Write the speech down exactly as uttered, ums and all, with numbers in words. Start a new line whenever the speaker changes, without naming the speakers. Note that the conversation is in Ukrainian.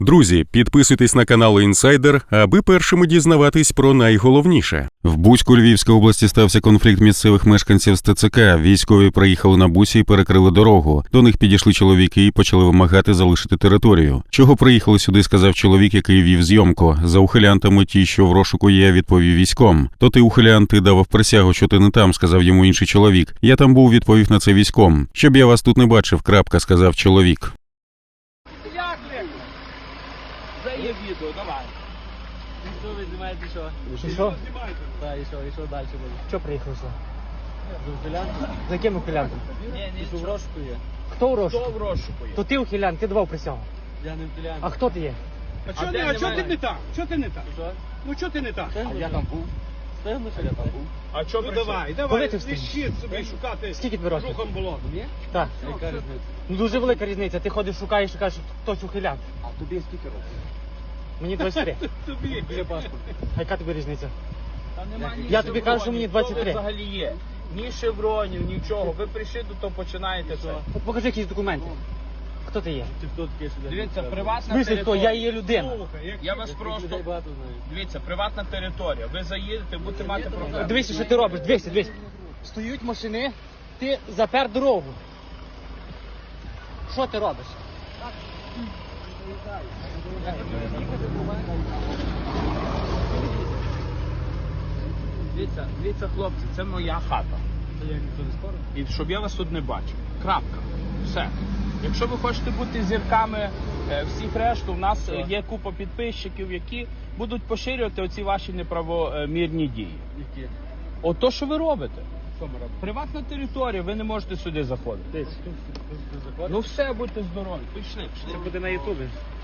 Друзі, підписуйтесь на канал Інсайдер, аби першими дізнаватись про найголовніше. В Буську Львівської області стався конфлікт місцевих мешканців з Те Це Ка. Військові приїхали на бусі і перекрили дорогу. До них підійшли чоловіки і почали вимагати залишити територію. Чого приїхали сюди, сказав чоловік, який вів зйомку. За ухилянтами ті, що в розшуку є, відповів військом. То ти, ухилянт, ти давав присягу, що ти не там, сказав йому інший чоловік. Я там був, відповів на це військом. Щоб я вас тут не бачив, крапка, сказав чоловік.
Це є відео, давай. Що ви знімаєте, що?
І що?
Так, і що, і що далі буде?
Що приїхав сюди?
З ухилянтом?
За яким ухилянтом?
Ні, ні, що в розшуку є.
Хто у розшуку?
Хто в розшуку є?
То ти ухилян, ти давав присягу.
Я не ухилянт.
А хто ти є?
А чого
де
ти, а чого ти
немає?
не так? Чого ти не так?
Що?
Ну чого ти не так?
А я там був. Стигну, що я там був. А що
Ну давай,
Коли
давай,
ти встиг?
ліщит собі шукати
Скільки тобі років?
рухом болотом.
Ні?
Так.
Яка різниця?
Ну дуже велика різниця. Ти ходиш, шукаєш і кажеш, що хтось ухилян.
А тобі скільки років?
Мені двадцять три.
Тобі.
Біля паспорта.
А яка тобі різниця?
Та нема ні
Я тобі кажу, що мені двадцять три.
Що ви взагалі є? Ні шевронів, нічого. Ви прийшли до того, починаєте все.
От покажи якісь документи. Хто ти є?
Ти хто такий, що Дивіться, приватна
Смислі хто?
територія.
Я є людина.
Слухай, як
Я вас просто... Дивіться, приватна територія. Ви заїдете, будете мати проблеми.
Дивися, що ти робиш. Дивися, дивися. Стоють машини, ти запер дорогу. Що ти робиш?
Дивіться, дивіться, хлопці, це моя хата. І щоб я вас тут не бачив. Крапка. Все. Якщо ви хочете бути зірками е, всіх решту, у нас е, є купа підписчиків, які будуть поширювати оці ваші неправомірні дії.
Які?
От то, що ви робите.
Що ми робимо?
Приватна територія, ви не можете сюди заходити. Ну все, будьте здорові. Пішли, пішли.
Буде на ютубі.